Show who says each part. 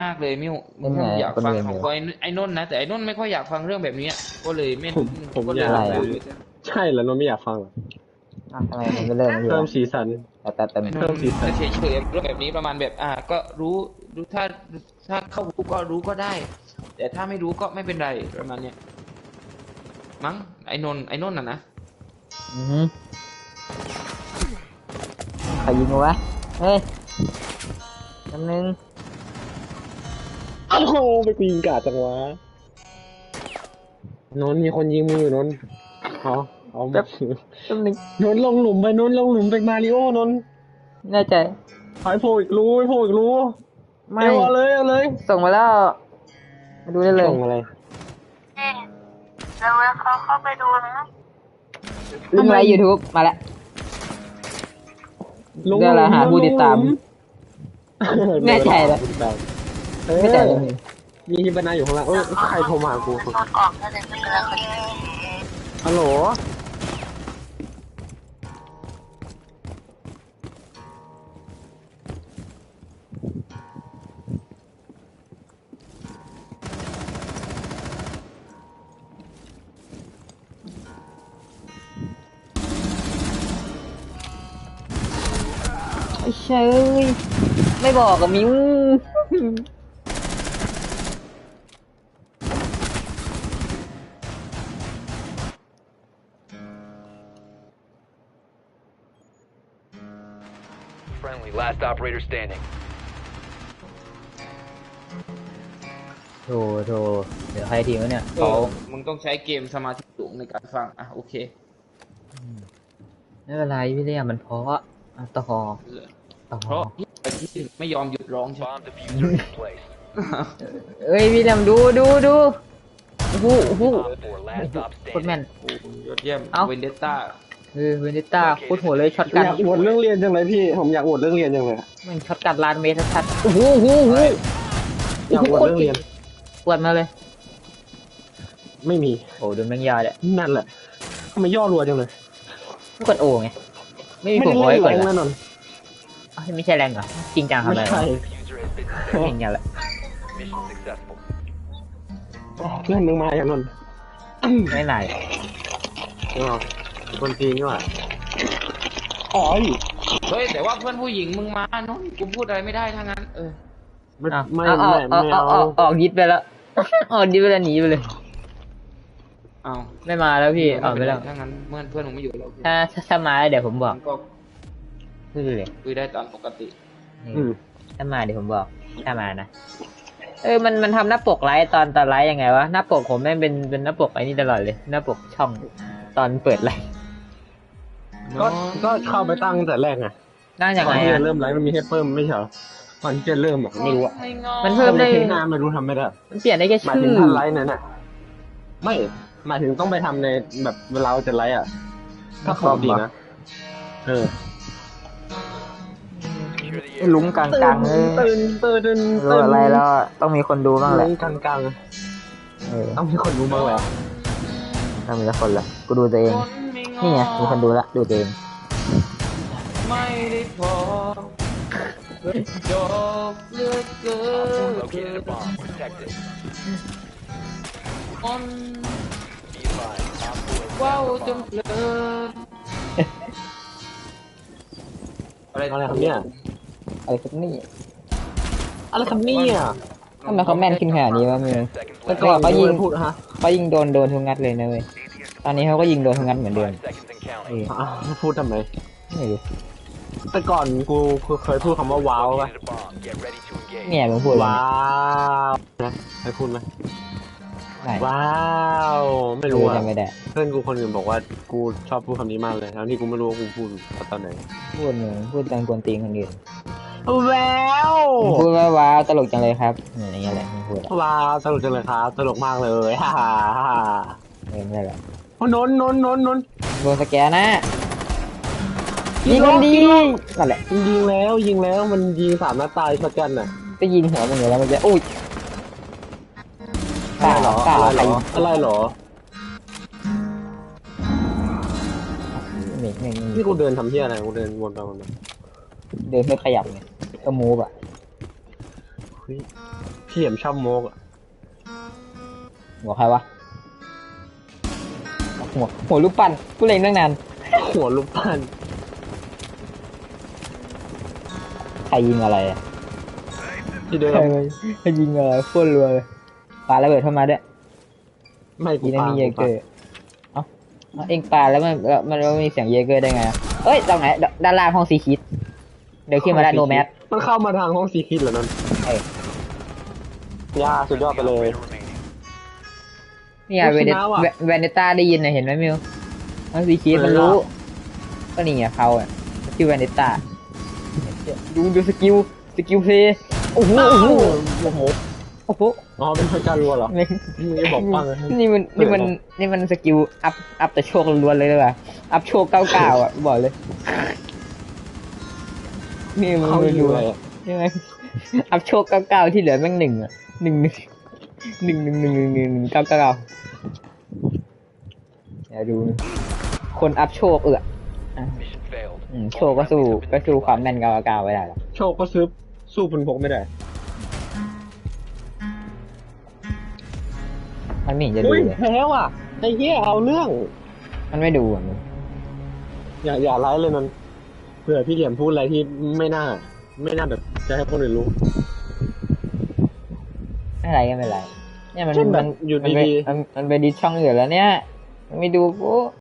Speaker 1: มากเลยมิวมึงอยากฟังของไอ้นนท์นะแต่ไอ้นนท์ไม่ค่อยอยากฟังเรื่องแบบนี้ก็เลยไม่
Speaker 2: ผม
Speaker 1: ก็เล
Speaker 2: อยาก
Speaker 1: ย
Speaker 2: ใช่แล้วนนท์ไม่อยากฟังหรอ
Speaker 3: ทำไมมันไม่เริ่มอยู่
Speaker 2: เพิ่มสีสัน
Speaker 3: แต่
Speaker 1: ไอ้น
Speaker 2: เพิ่
Speaker 1: น
Speaker 2: ม
Speaker 1: ท์
Speaker 2: สีสัน
Speaker 1: จะเฉยๆเรื่องแบบนี้ประมาณแบบก็รู้ถ้าเข้ารู้ก็รู้ก็ได้ แต่ถ้าไม่รู้ก็ไม่เป็นไรประมาณเนี้ยมั้งไอ้นนท์น่ะนะ
Speaker 3: ใครยิงวะเฮ้ยคำนึง
Speaker 2: โอ้โหไปกูยิงกาดจังวะนนท์มีคนยิงมึงอยู่นนท์เอา
Speaker 3: แป๊บนึง
Speaker 2: นนท์ลงหลุมไปนนท์ลงหลุมไปมาริโอนนท์
Speaker 3: แน่ใจ
Speaker 2: หายโผล่อีกรู้โผล่อีกรู้
Speaker 3: ไม่
Speaker 2: เอาเลย
Speaker 3: ส่งมาแล้วมาดูได้เลย
Speaker 2: ส่งอะไร
Speaker 4: แล้วเขาเข้าไปดูนะ
Speaker 3: ลิงก์ไลฟ์ YouTube มาแล้ว
Speaker 2: ลง
Speaker 3: ได้แล้วหาผู้ติดตาม แน่ใจแล้ว ไม่แต่เลย
Speaker 2: มีฮิบานาอยู่ข้างล่างใครโทรมาหากู
Speaker 4: รถออกแล้วแต่ไม่เป็นไรคนนี้
Speaker 2: ฮัลโหล
Speaker 3: ไอ้เชยไม่บอกกับมิว
Speaker 5: Friendly, last operator standing.
Speaker 3: โถเดี๋ยวใครทีวะเนี่ย
Speaker 1: มึงต้องใช้เกมสมาธิสูงในการฟังโอเค
Speaker 3: ไม่เป็นไรพี่เรียมันเพราะต่อ
Speaker 1: เพราะที่ไม่ยอมหยุดร้องใช่ไหม
Speaker 5: Bomb diffuser in place.
Speaker 3: เอ้ยพี่เรียมดูโอ้โห
Speaker 5: Op 4, last stop
Speaker 3: โคตรแม่
Speaker 5: standing.
Speaker 3: น
Speaker 1: โอ้ยอดเยี่ยม
Speaker 3: เอ้า
Speaker 1: เวนเดตต้า
Speaker 3: เวนดิต้าโคตรโหดเลยช็อตกัน
Speaker 2: อยากอวดเรื่องเรียนจังเลยพี่ผมอยากอวดเรื่องเรียนจังเลย
Speaker 3: มันช็อตกันลานเมตรชัดๆโอ้โห
Speaker 2: อยากอวดเรื่องเรียน
Speaker 3: ปวดมาเลย
Speaker 2: ไม่มี
Speaker 3: โอ้โดนแมงยาเลย
Speaker 2: นั่นแหละทำไมย่อรัวจังเลย
Speaker 3: ไม่กดโอไงไม่มี
Speaker 2: ไม่
Speaker 3: ผม
Speaker 2: ได้
Speaker 3: เอา
Speaker 2: เล่
Speaker 3: ไว้
Speaker 2: น
Speaker 3: ก่อน
Speaker 2: แรง
Speaker 3: ละ
Speaker 2: แน่นอน
Speaker 3: ไม่ใช่แรงเหรอจริงจังทำ
Speaker 2: ไม่
Speaker 3: อะไร
Speaker 2: ใช่
Speaker 5: Diffuser has been
Speaker 3: เห็น
Speaker 5: dismantled.
Speaker 3: อย่างละ
Speaker 5: Mission successful.
Speaker 2: เพื่อนมึงมาอย่างนนท์
Speaker 3: ไม่ไหน
Speaker 2: คนจีนนี่หว่าอ๋อ
Speaker 1: เฮ้ยแต่ว่าเพื่อนผู้หญิงมึงมาเนาะกูพูดอะไรไม่ได้ทั้งนั้น
Speaker 2: ไม่
Speaker 3: ออกยิดไปแล้วออกยิดไปแล้วหนีไปเลย
Speaker 1: เอา
Speaker 3: ไม่มาแล้วพี่ออกไปแล้ว
Speaker 1: ทั้งนั้นเพื่อนมึงไม่อยู่แล้ว
Speaker 3: ถ้ามาแล้วเดี๋ยวผมบอก
Speaker 1: ก็
Speaker 3: พูดเลย
Speaker 1: คุยได้ตามปกติ
Speaker 3: ถ้ามาเดี๋ยวผมบอกถ้ามานะมันทำหน้าปกไลฟ์ตอนไลฟ์ยังไงวะหน้าปกผมแม่งเป็นหน้าปกไอ้นี่ตลอดเลยหน้าปกช่องตอนเปิดไลฟ์
Speaker 2: ก็เข้าไปตั้งแต่แรกไง
Speaker 3: นั่งยัง
Speaker 2: ก่อน
Speaker 3: ไง
Speaker 2: ที่
Speaker 3: อะ
Speaker 2: จะเริ่มไลฟ์มันมีให้เพิ่มไม่ใช่เหรอก่อนที่จะเริ่มไม่รู้อะ
Speaker 3: มันเพิ่มได้
Speaker 2: เทปหน้าไม่รู้ทำไม่ได้
Speaker 3: มันเปลี่ยนได้แค่
Speaker 2: หมาย
Speaker 3: ชื่
Speaker 2: ถึง
Speaker 3: อ
Speaker 2: ท่านไลฟ์นั่นน่ะไม่หมายถึงต้องไปทำในแบบเวลาเราจะไลฟ์อ่ะถ้าปกตินะ
Speaker 5: Secure the area.
Speaker 3: ลุ้งกลางๆเลย
Speaker 2: ตื่น
Speaker 3: รู้อะไรแล้วต้องมีคนดูบ้างแหละ
Speaker 2: ลุ้งกลาง ต้องมีคนรู้บ้างแหละ
Speaker 3: ต้องมีละคนละกูดูตัวเองนี่ไงมีคนดูละดูตัวเอง
Speaker 1: ไม่ได้พอจบเลือกเกิ
Speaker 5: Op 4 located a bomb. Protect it.
Speaker 1: อน
Speaker 5: Be advised. Op 4 has
Speaker 1: ว้าว
Speaker 5: found
Speaker 1: จ
Speaker 5: the
Speaker 1: น
Speaker 5: bomb.
Speaker 1: เพลินอะไร
Speaker 2: อะไรครับเนี่ย
Speaker 3: อะไรครับนี่
Speaker 2: อะไรครับเนี่ย
Speaker 3: ทำไมเขาแม่นขึ้นขนาดนี้วะมึง
Speaker 5: Seconds
Speaker 3: แต่
Speaker 5: left.
Speaker 3: ก่อนเขายิง
Speaker 2: พูดฮะ
Speaker 3: เขายิงโดนทุกงัดเลยนะเว้ยตอนนี้เขาก็ยิงโดนทุกงัดเหมือนเดิม
Speaker 5: 5 seconds and counting.
Speaker 2: พูดทำไม
Speaker 3: ไม่รู้
Speaker 2: แต่ก่อนกูเคยพูดคำว่าว้าวป่ะ
Speaker 5: Located a bomb. Get ready to engage.
Speaker 3: เนี่ยมึงพูดเลย
Speaker 2: ว้าวนะเคยพูดไหม
Speaker 3: ไหน
Speaker 2: ว้าวไม่รู้อ่ะ
Speaker 3: จำไม่ได้
Speaker 2: เพื่อนกูคนอื่นบอกว่ากูชอบพูดคำนี้มากเลยทั้งที่กูไม่รู้ว่ากูพูดตอนไหน
Speaker 3: พูดตอนกวนตีนคนอื่น
Speaker 2: แล้ว
Speaker 3: มึงพูดว่าว้าวตลกจังเลยครับอย่างเงี้ยแหละมึงพูดอะ
Speaker 2: ว้าวสนุกจังเลยครับตลกมากเลยฮ่าฮ่าฮ่า
Speaker 3: ไม่ได้หรอก
Speaker 2: นนท์
Speaker 3: โดนสแกนนะยิงคนดีนั่นแหละ
Speaker 2: ยิงแล้วมันยิง3 นัดตายช็อตกันน่ะ
Speaker 3: ก็ยิงหัวมึงอยู่แล้วมันจะอุ้ย
Speaker 2: อะไรเหรอ
Speaker 3: ตา
Speaker 2: อะไรเหรอ
Speaker 3: ไม่
Speaker 2: ที่กูเดินทำเหี้ยอะไรกูเดินวนไปวนมา
Speaker 3: เดินไม่ขยับไงก็มูฟอ่ะ
Speaker 2: เฮ้ยพี่เหลี่ยมชอบโมกอะ
Speaker 3: บอกใครวะหัวรูปปั้นกูเล็งตั้งนาน
Speaker 2: หัวลูกปั้น
Speaker 3: ใครยิงอะไรอะ
Speaker 2: ที่เดิม
Speaker 3: ใครยิงอะไรโคตรรัวเลยปาระเบิดเข้ามาด้วย
Speaker 2: ไม่กู
Speaker 3: ยิงไม่
Speaker 2: ปา
Speaker 3: มีเยเกอร์เอ้าเอ็งปาแล้วมันมีเสียงเยเกอร์ได้ไงอะเอ้ยตรงไหนด้านล่างห้องซีคิดเดี๋ยวขึ้นมาแล้วโนแมส
Speaker 2: มันเข้ามาทางห้องซีคิดเหรอนั่น
Speaker 3: เอ้ย
Speaker 2: ย่าสุดยอดไปเลย
Speaker 5: Operator remaining.
Speaker 3: เนี่ย
Speaker 2: โอ้ชนะว่ะ
Speaker 3: เวเนต้าได้ยินนะเห็นไหมมิวห้องซีคิดมันรู้ ก็นี่ไงเขาอ่ะชื่อเวเนต้าดูสกิลเพลย์โอ้โห
Speaker 2: โอ้โห
Speaker 3: โอ้โห
Speaker 2: อ๋อเป็นพระจันทร์รัวเหรอ
Speaker 3: ไม่
Speaker 2: มึงจะบอกปังเลย
Speaker 3: นี่มันสกิลอัพแต่โชคล้วนๆเลยเลยว่ะอัพโชค99อ่ะบอกเลยนี่มัน
Speaker 2: เขา
Speaker 3: ไม่
Speaker 2: อยู่
Speaker 3: รู้
Speaker 2: อะไร
Speaker 3: อะใช่ไหมอัพโชค99ที่เหลือแม่ง1อ่ะ1 999เดี๋ยวดูคนอัพโชคอ่ะ
Speaker 5: Mission failed.
Speaker 3: โชคก็สู้ความแม่น99ไว้ได้หรอก
Speaker 2: โชคก็สู้พุนพกไม่ได้
Speaker 3: มันไม่เห็นจะดู
Speaker 2: อุ้ย
Speaker 3: เลย
Speaker 2: แพ้ว่ะไอ้เหี้ยเอาเรื่อง
Speaker 3: มันไม่ดูอ่ะมึง
Speaker 2: อย่าไลฟ์เลยมันเผื่อพี่เหลี่ยมพูดอะไรที่ไม่น่าแบบจะให้คนอื่นรู้
Speaker 3: ไม่เป็นไรก็ไม่เป็นไรเนี่ยมัน
Speaker 2: เช่นแบบอยู่
Speaker 3: มันไป
Speaker 2: ดีๆ
Speaker 3: มันไปดิสช่องอื่นแล้วเนี่ยมันไม่ดูกู